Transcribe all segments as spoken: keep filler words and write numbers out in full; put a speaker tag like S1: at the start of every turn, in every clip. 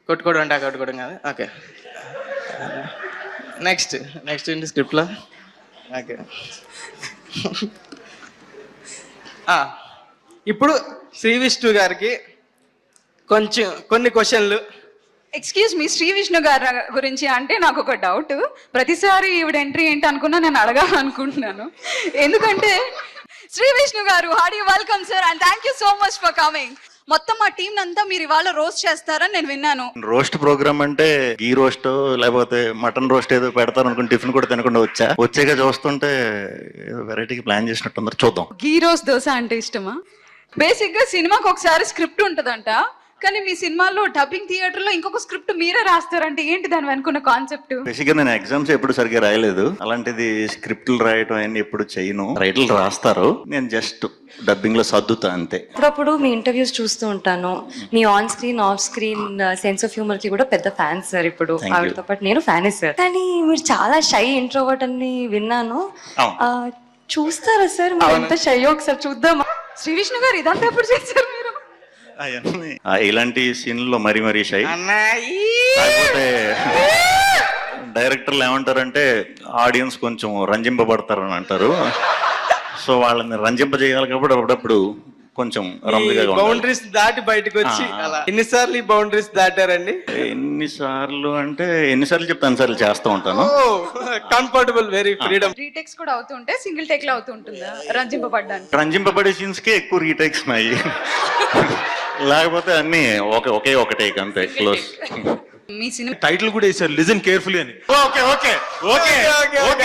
S1: కొట్టుకోవడం అంటే కొట్టుకోవడం కాదు. ఓకే, నెక్స్ట్ నెక్స్ట్ ఏంటి స్క్రిప్ట్లో? ఓకే, ఇప్పుడు శ్రీ విష్ణు గారికి కొంచెం కొన్ని క్వశ్చన్లు.
S2: ఎక్స్క్యూజ్ మీ, శ్రీ విష్ణు గారి గురించి అంటే నాకు ఒక డౌట్. ప్రతిసారి ఈవిడ ఎంట్రీ ఏంటి అనుకున్నా నేను అడగాలనుకుంటున్నాను. ఎందుకంటే శ్రీ విష్ణు గారు, hearty welcome sir and thank you so much for coming. మొత్తం మా టీం అంతా మీరు ఇవాళ రోస్ట్ చేస్తారని నేను విన్నాను.
S3: రోస్ట్ ప్రోగ్రామ్ అంటే గీ రోస్ట్ లేకపోతే మటన్ రోస్ట్ ఏదో పెడతారు అనుకుని టిఫిన్ కూడా తినకుండా వచ్చా వచ్చాక చూస్తుంటే ఏదో వెరైటీకి ప్లాన్ చేసినట్టు చూద్దాం.
S2: గీ రోస్ట్ దోశ అంటే ఇష్టమా? బేసిక్ గా సినిమాకి ఒకసారి స్క్రిప్ట్ ఉంటదంట, కానీ మీ సినిమాలో డబ్బింగ్ థియేటర్ లో ఇంకొక స్క్రిప్ట్ మీరే రాస్తారంటే ఏంటి దాని వెనుకున్న కాన్సెప్ట్?
S3: బేసిక్ గా నేను ఎగ్జామ్స్ ఎప్పుడు సరిగ్గా రాయలేదు, అలాంటిది స్క్రిప్ట్లు రాయటం అన్ని ఎప్పుడు చేయను. రైట్లు రాస్తారు, నేను జస్ట్ డబ్బింగ్ లో సర్దుతా అంతే.
S4: అప్పుడప్పుడు మీ ఇంటర్వ్యూస్ చూస్తూ ఉంటాను. మీ on screen off screen sense of humour కి కూడా పెద్ద ఫ్యాన్ సార్. ఇప్పుడు ఆవిడతో పాటు నేను ఫ్యానే సార్. కానీ మీరు చాలా షై ఇంట్రోవర్ట్ అని విన్నాను. చూస్తారా సార్ మీరు ఎంత షై? ఒకసారి చూద్దామా? శ్రీ విష్ణు గారు ఇదంతా ఎప్పుడు చేశారు మీరు?
S3: ఇలాంటి సీన్లో మరీ మరీ షై. కాకపోతే డైరెక్టర్లు ఏమంటారంటే ఆడియన్స్ కొంచెం రంజింపబడతారు అని అంటారు. సో వాళ్ళని రంజింపజేయాలి కాబట్టి అప్పుడప్పుడు కొంచెం
S1: బౌండరీస్ దాటి బయటకు వచ్చి అలా. ఎన్నిసార్లు ఈ బౌండరీస్ దాటారండి?
S3: ఎన్నిసార్లు అంటే ఎన్నిసార్లు చెప్తే అన్నిసార్లు చేస్తూ ఉంటాను.
S1: Comfortable, very freedom.
S2: రీటేక్స్ కూడా అవుతుంటే సింగిల్ టేక్ లో అవుతుంటుందా రంజింపబడ్డానికి?
S3: రంజింపబడే సీన్స్ కే ఎక్కువ రీటేక్స్ ఉన్నాయి, లేకపోతే అన్ని ఒకే ఒకే ఒక టేక్ అంతే, క్లోజ్.
S2: మీ సినిమా
S5: టైటిల్ కూడా వేసారు లిజన్ కేర్ఫుల్లీ అని.
S3: Okay okay okay okay.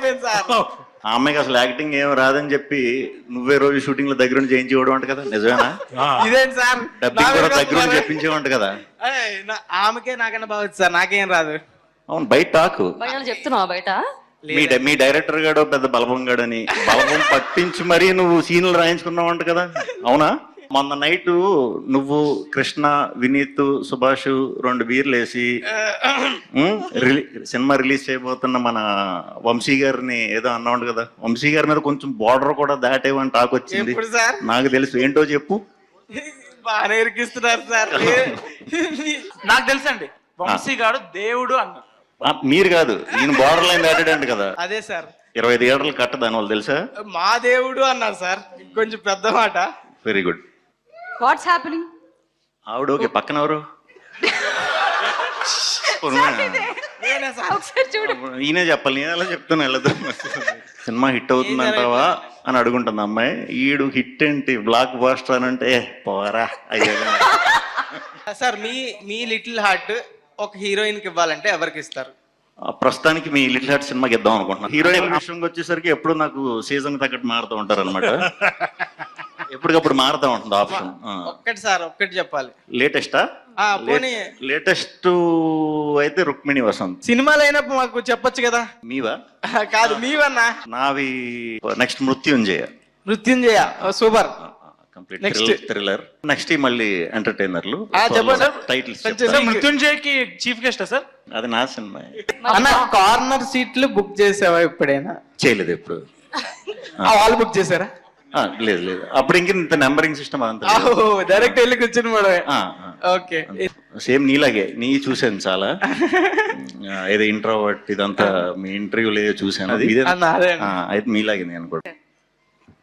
S3: ఆ అమ్మాయికి అసలు యాక్టింగ్ ఏం రాదని చెప్పి నువ్వే రోజు షూటింగ్ లో దగ్గర చేయించేవాడు అంట కదా, నిజమేనా?
S1: ఇదేంటి సార్,
S3: డబ్బింగ్ కూడా దగ్గర చెప్పించేవంట కదా?
S1: ఆమెకే నాకన్నా బాగుంది సార్, నాకేం రాదు.
S3: అవును, బయట టాకు
S4: చెప్తున్నావా బయట?
S3: మీ మీ డైరెక్టర్ గాడు పెద్ద బలపం గాడని బలపం పట్టించి మరీ నువ్వు సీన్లు రాయించుకున్నావంట కదా, అవునా? మొన్న నైట్ నువ్వు, కృష్ణ, వినీత్, సుభాష్ రెండు బీర్లు వేసి సినిమా రిలీజ్ చేయబోతున్న మన వంశీ గారిని ఏదో అన్నావు కదా, వంశీ గారి మీద కొంచెం బార్డర్ కూడా దాటేవని టాక్ వచ్చింది. నాకు తెలుసు, ఏంటో చెప్పు.
S1: బాగా ఇరికిస్తున్నారు సార్.
S5: నాకు తెలుసండి, వంశీ గారు దేవుడు అన్న.
S3: మీరు కాదు, ఈయన బార్డర్ లైన్ దాటాడంట కదా.
S1: అదే సార్,
S3: ఇరవై థియేటర్లు కట్ట దాని వాళ్ళు తెలుసా?
S1: మా దేవుడు అన్నారు సార్, కొంచెం పెద్ద మాట.
S3: Very good.
S2: What's happening?
S3: ఆవిడ ఓకే, పక్కన ఎవరు? ఈయనే చెప్పాలి, నేను ఎలా చెప్తాను వెళ్ళదు. సినిమా హిట్ అవుతుందంటావా అని అడుగుంటుంది అమ్మాయి. ఈడు హిట్ ఏంటి బ్లాక్ బాస్టర్ అని అంటే పోరా అయ్యా.
S1: సార్, మీ మీ లిటిల్ హార్ట్ ఒక హీరోయిన్ కి ఇవ్వాలంటే ఎవరికి ఇస్తారు?
S3: ప్రస్తుతానికి మీ లిటిల్ హార్ట్ సినిమాకి ఇద్దాం అనుకుంటున్నాను. హీరోయిన్ విషయంకి వచ్చేసరికి ఎప్పుడు నాకు సీజన్ తగ్గట్టు మారుతూ ఉంటారు అనమాట, ఎప్పటికప్పుడు మారుతూ ఉంటుంది ఆప్షన్.
S1: ఒక్కటి సార్, ఒక్కటి చెప్పాలి.
S3: లేటెస్టా? లేటెస్ట్ అయితే రుక్మిణి వసంత్.
S1: సినిమాలు అయినప్పుడు మాకు చెప్పొచ్చు కదా.
S3: మీవా?
S1: కాదు, మీవన్నా.
S3: నావి next Mrityunjaya.
S1: Mrityunjaya super.
S3: Complete thriller. Next మళ్ళీ ఎంటర్టైనర్లు.
S5: టైటిల్స్ మృత్యుంజయకి చీఫ్ గెస్ట్ సార్?
S3: అది నా సినిమా.
S1: అన్న, కార్నర్ సీట్లు బుక్ చేసావా ఎప్పుడైనా?
S3: చేయలేదు ఎప్పుడు.
S1: వాళ్ళు బుక్ చేశారా?
S3: లేదు లేదు, అప్పుడు ఇంక ఇంత నెంబరింగ్ సిస్టమ్ అదంతా
S1: డైరెక్ట్ వెళ్ళి కూర్చుని మేడం. ఓకే,
S3: సేమ్ నీలాగే నీ చూసాను చాలా, ఏదో ఇంట్రోవర్ట్ ఇదంతా మీ ఇంటర్వ్యూలో చూసాను. అది అయితే మీలాగే నేను కూడా.